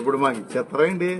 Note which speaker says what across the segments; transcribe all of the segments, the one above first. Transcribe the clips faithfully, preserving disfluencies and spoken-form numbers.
Speaker 1: ఇప్పుడు మాకు ఇచ్చేస్తారా అండి?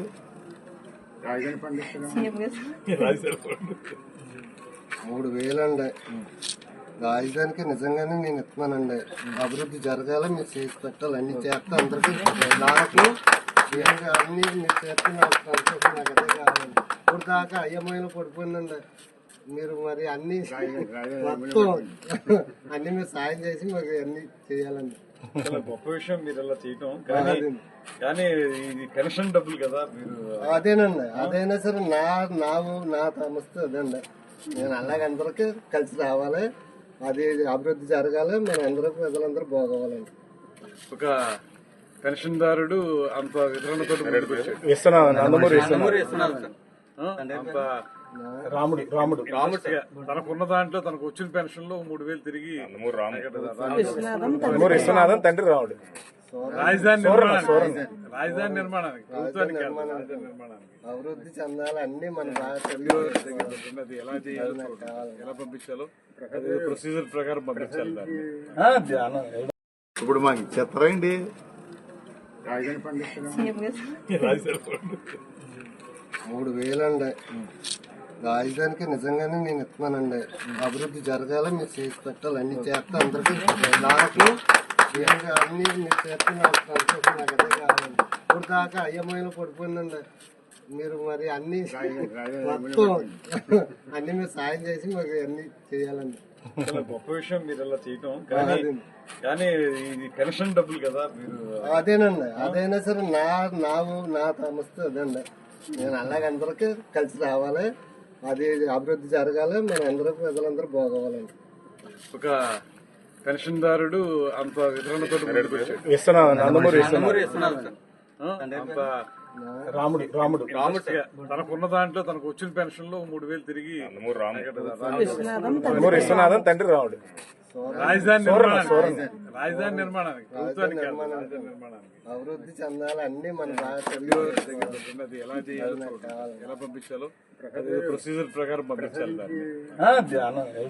Speaker 2: మూడు వేలండి రాజధానికి నిజంగానే నేను ఇస్తున్నానండి. అభివృద్ధి జరగాలి, మీరు చేసి పెట్టాలి, అన్ని చేస్తే అందరికీ నాకు అన్ని మీరు చేస్తే నాకు సంతోషం, నాకు అదే కావాలండి. ఇప్పుడు దాకా అయ్యమ్మలో పడిపోయిందండి. మీరు మరి అన్ని మొత్తం అన్ని మీరు సాయం చేసి మాకు అన్ని చేయాలండి.
Speaker 3: గొప్ప విషయం మీరు అలా చేయటం. కానీ కానీ ఇది పెన్షన్ డబ్బులు కదా మీరు.
Speaker 2: అదేనండి, అదైనా సరే నా నా నా సంస్థ అదండి. నేను అలాగే అందరికీ కలిసి రావాలి, అది అభివృద్ధి జరగాలి, మన అందరూ ప్రజలందరూ బాగోవాలండి.
Speaker 3: ఒక పెన్షన్దారుడు అంత వితరణతో అంత
Speaker 4: రాముడు రాముడు
Speaker 3: తనకున్న దాంట్లో తనకు వచ్చిన పెన్షన్ లో మూడు వేలు తిరిగి
Speaker 4: విశ్వనాథన్ తండ్రి రాముడు
Speaker 3: రాజధాని నిర్మాణానికి రాజధాని నిర్మాణానికి ప్రభుత్వానికి నిర్మాణానికి
Speaker 2: అభివృద్ధి చెందాలి, అన్ని మన
Speaker 3: అది ఎలా చేయాలో ఎలా పంపించాలో ప్రొసీజర్ ప్రకారం పంపించాలి దాన్ని.
Speaker 1: ఇప్పుడు మాకు ఇచ్చేస్తారా అండి?
Speaker 2: మూడు వేలండి రాజధానికి నిజంగానే నేను ఇస్తున్నానండి. అభివృద్ధి జరగాలి, మీరు చేసి పెట్టాలి, అన్ని చేస్తే అందరికీ నాకు అన్ని మీరు చేస్తే నాకు సంతోషం, నాకు అదే కావాలండి. ఇప్పుడు దాకా అయ్యమ్మలో పడిపోయిందండి. మీరు మరి అన్ని మొత్తం అన్ని మీరు సాయం చేసి మాకు అన్ని చేయాలండి.
Speaker 3: గొప్ప విషయం మీరు అలా చేయటం. కానీ కానీ ఇది పెన్షన్ డబ్బులు కదా మీరు.
Speaker 2: అదేనండి, అదైనా సరే నా నా నా సంస్థ అదండి. నేను అలాగే అందరికీ కలిసి రావాలి, అది అభివృద్ధి జరగాలి, మన అందరూ ప్రజలందరూ బాగోవాలండి.
Speaker 3: ఒక పెన్షన్దారుడు అంత వితరణతో అంత
Speaker 4: రాముడు రాముడు
Speaker 3: తనకున్న దాంట్లో తనకు వచ్చిన పెన్షన్ లో మూడు వేలు తిరిగి
Speaker 4: విశ్వనాథన్ తండ్రి రాముడు
Speaker 3: రాజధాని నిర్మాణానికి రాజధాని నిర్మాణానికి ప్రభుత్వానికి నిర్మాణానికి
Speaker 2: అభివృద్ధి చెందాలి, అన్ని మన
Speaker 3: అది ఎలా చేయాలో ఎలా పంపించాలో ప్రొసీజర్ ప్రకారం పంపించాలి దాన్ని.